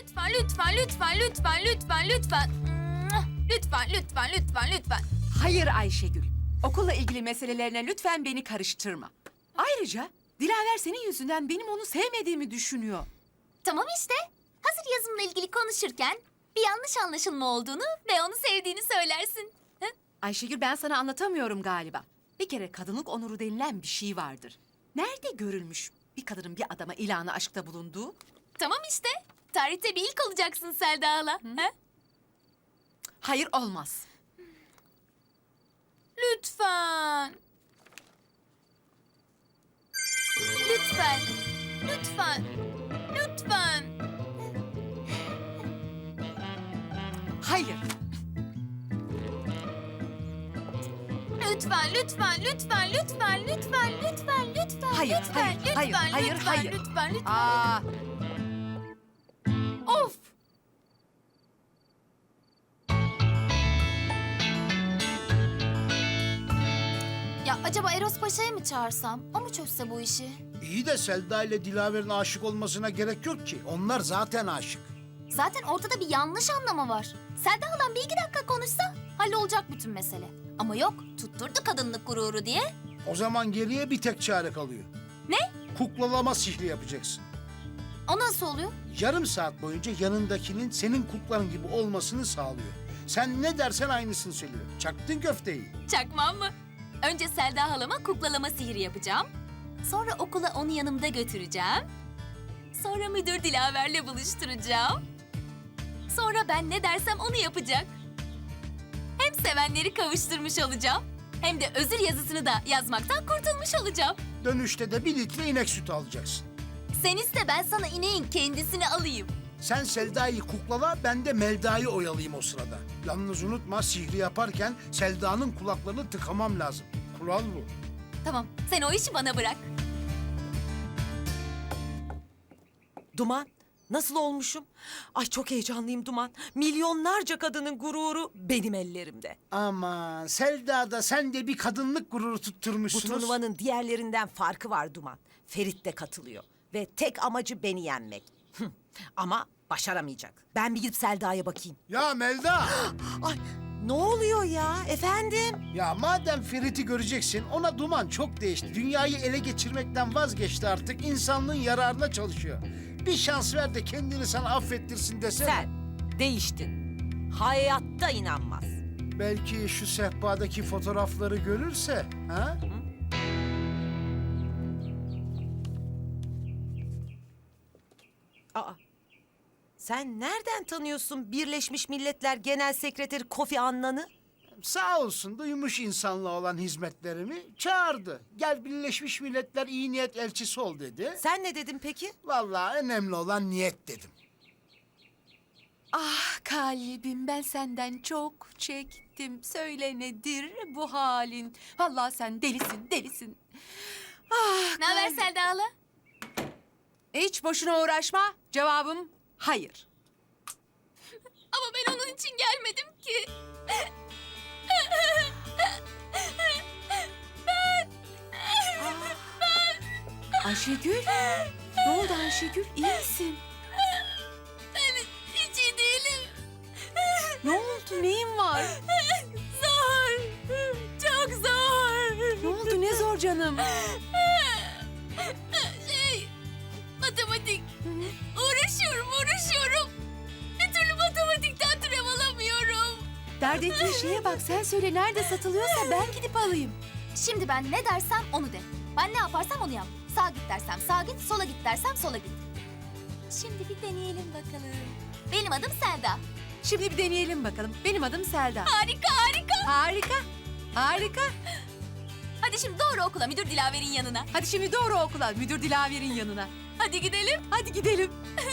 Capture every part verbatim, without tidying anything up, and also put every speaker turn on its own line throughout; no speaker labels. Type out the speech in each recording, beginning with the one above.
lütfen, lütfen, lütfen, lütfen, lütfen, lütfen. Lütfen, lütfen, lütfen, lütfen.
Hayır Ayşegül. Okulla ilgili meselelerine lütfen beni karıştırma. Ayrıca Dilaver senin yüzünden benim onu sevmediğimi düşünüyor.
Tamam işte. Hazır yazımla ilgili konuşurken bir yanlış anlaşılma olduğunu ve onu sevdiğini söylersin. Hı?
Ayşegül ben sana anlatamıyorum galiba. Bir kere kadınlık onuru denilen bir şey vardır. Nerede görülmüş bir kadının bir adama ilanı aşkta bulunduğu?
Tamam işte. Tarihte bir ilk olacaksın Selda hala. Hı?
Hayır olmaz.
Lütfen. Lütfen. Lütfen. Lütfen.
Hayır.
Lütfen, lütfen, lütfen, lütfen, lütfen, lütfen, lütfen,
Hayır,
lütfen,
hayır,
lütfen,
hayır, hayır,
lütfen,
hayır.
lütfen, lütfen.
Aa,
Of! Ya acaba Eros Paşa'yı mı çağırsam? O mu çözse bu işi?
İyi de Selda ile Dilaver'in aşık olmasına gerek yok ki. Onlar zaten aşık.
Zaten ortada bir yanlış anlama var. Selda halam bir iki dakika konuşsa hallolacak bütün mesele. Ama yok, tutturdu kadınlık gururu diye.
O zaman geriye bir tek çare kalıyor.
Ne?
Kuklalama sihri yapacaksın.
O nasıl oluyor?
Yarım saat boyunca yanındakinin senin kuklan gibi olmasını sağlıyor. Sen ne dersen aynısını söylüyor. Çaktın köfteyi.
Çakmam mı? Önce Selda halama kuklalama sihri yapacağım. Sonra okula onu yanımda götüreceğim. Sonra müdür Dilaver'le buluşturacağım. Sonra ben ne dersem onu yapacak. Hem sevenleri kavuşturmuş olacağım. Hem de özür yazısını da yazmaktan kurtulmuş olacağım.
Dönüşte de bir litre inek sütü alacaksın.
Sen iste ben sana ineğin kendisini alayım.
Sen Selda'yı kuklala, ben de Melda'yı oyalayayım o sırada. Yalnız unutma, sihri yaparken Selda'nın kulaklarını tıkamam lazım. Kural bu.
Tamam, sen o işi bana bırak.
Duman, nasıl olmuşum? Ay çok heyecanlıyım Duman. Milyonlarca kadının gururu benim ellerimde.
Aman Selda da sen de bir kadınlık gururu
Bu
tutturmuşsunuz.
turnuvanın diğerlerinden farkı var Duman. Ferit de katılıyor ve tek amacı beni yenmek. Hıh, ama başaramayacak. Ben bir gidip Selda'ya bakayım.
Ya Melda!
Ay ne oluyor ya efendim?
Ya madem Ferit'i göreceksin, ona Duman çok değişti. Dünyayı ele geçirmekten vazgeçti artık. İnsanlığın yararına çalışıyor. Bir şans ver de kendini sana affettirsin desene.
Sen değiştin. Hayatta inanmaz.
Belki şu sehpadaki fotoğrafları görürse, ha?
Aa, sen nereden tanıyorsun Birleşmiş Milletler Genel Sekreteri Kofi Annan'ı?
Sağ olsun duymuş insanlığa olan hizmetlerimi, çağırdı. Gel Birleşmiş Milletler iyi niyet elçisi ol dedi.
Sen ne dedin peki?
Vallahi önemli olan niyet dedim.
Ah kalbim ben senden çok çektim. Söyle nedir bu halin? Vallahi sen delisin, delisin. Ah
Ne haber
kalbim.
Selda hala?
Hiç boşuna uğraşma. Cevabım hayır.
Ama ben onun için gelmedim ki.
Ayşegül. Ne oldu Ayşegül? İyi misin?
Ben hiç iyi değilim.
Ne oldu? Neyin var?
Zor. Çok zor.
Ne oldu? Ne zor canım?
Şey, matematik. Uğraşıyorum, uğraşıyorum. Bir türlü matematikten türev alamıyorum.
Dert ettiğin şeye bak. Sen söyle nerede satılıyorsa ben gidip alayım.
Şimdi ben ne dersem onu de. Ben ne yaparsam onu yap. Sağ git dersem sağ git, sola git dersem sola git. Şimdi bir deneyelim bakalım. Benim adım Selda.
Şimdi bir deneyelim bakalım. Benim adım Selda.
Harika, harika.
Harika. Harika.
Hadi şimdi doğru okula, müdür Dilaver'in yanına.
Hadi şimdi doğru okula. Müdür Dilaver'in yanına.
Hadi gidelim.
Hadi gidelim.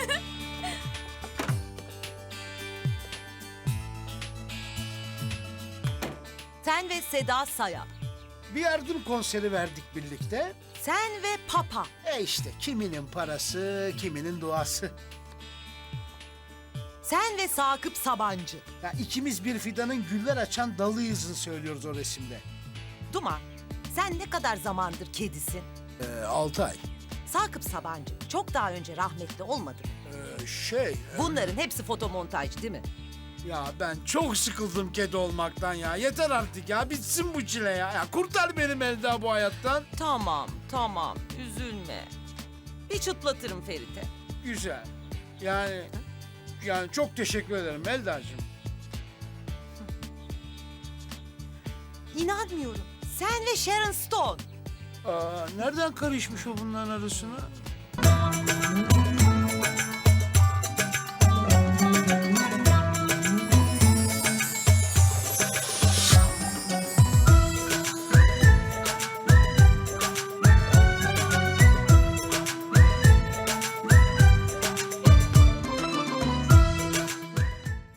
Sen ve Seda Sayan.
Bir yardım konseri verdik birlikte.
Sen ve Papa.
E işte kiminin parası, kiminin duası.
Sen ve Sakıp Sabancı.
Ya ikimiz bir fidanın güller açan dalıyızını söylüyoruz o resimde.
Duman, sen ne kadar zamandır kedisin?
Ee, altı ay.
Sakıp Sabancı çok daha önce rahmetli olmadı mı?
Ee, Ee, şey...
Bunların hepsi fotomontaj değil mi?
Ya ben çok sıkıldım kedi olmaktan ya. Yeter artık ya. Bitsin bu çile ya. Ya kurtar beni Melda bu hayattan.
Tamam, tamam. Üzülme. Bir çıtlatırım Ferit'e.
Güzel. Yani... Yani çok teşekkür ederim Melda'cığım.
İnanmıyorum. Sen ve Sharon Stone.
Aa, nereden karışmış o bunların arasına?